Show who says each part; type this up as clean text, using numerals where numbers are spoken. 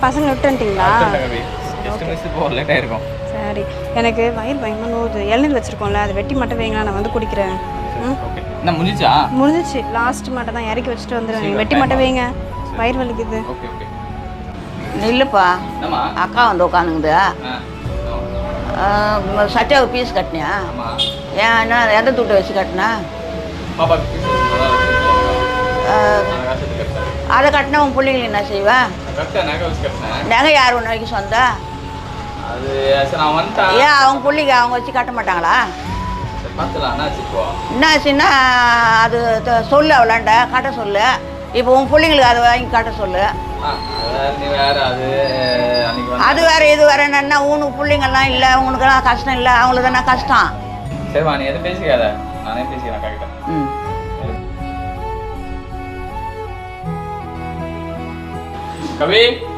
Speaker 1: பசங்க விட்டுட்டீங்களா?
Speaker 2: இருக்கும்.
Speaker 1: சரி, எனக்கு வயிறு பயமா நோவுது. இளநீர் வச்சிருக்கோம்ல, அதை வெட்டி மட்டும் வைங்களா, நான் வந்து குடிக்கிறேன்.
Speaker 2: என்ன முடிஞ்சிச்சா?
Speaker 1: முடிஞ்சிச்சு, லாஸ்ட் மட்டும் தான் இறக்கி வச்சுட்டு வந்துடுவேன். வெட்டி மட்டும் வைங்க, வயிறு வலிக்குது.
Speaker 3: நில்லுப்பா, அக்கா வந்து உட்காந்துங்குது. சத்யாவுக்கு பீஸ் கட்டினியா? ஏன் என்ன எந்த துட்டை வச்சு கட்டினா? அதை கட்டினா உன் பிள்ளைங்களுக்கு என்ன செய்வேன்? நகை யார் ஒன்று வரைக்கும் சொந்தம்? ஏன் அவங்க பிள்ளைங்க அவங்க வச்சு கட்ட மாட்டாங்களா? என்னாச்சுன்னா அது சொல்லு, அவளாண்ட கட்ட சொல்லு. இப்போ உன் பிள்ளைங்களுக்கு அதை வாங்கி கட்ட சொல்லு. அது வேற இது வேற என்னன்னா, உனக்கு பிள்ளைங்கள்லாம் இல்லை, உனக்கெல்லாம் கஷ்டம் இல்லை, அவங்களுக்கு தானே கஷ்டம்.
Speaker 2: சரிவா, நீ எதுவும் பேசிக்காத, நானே பேசிக்கிறேன் கரெக்டாக. கவி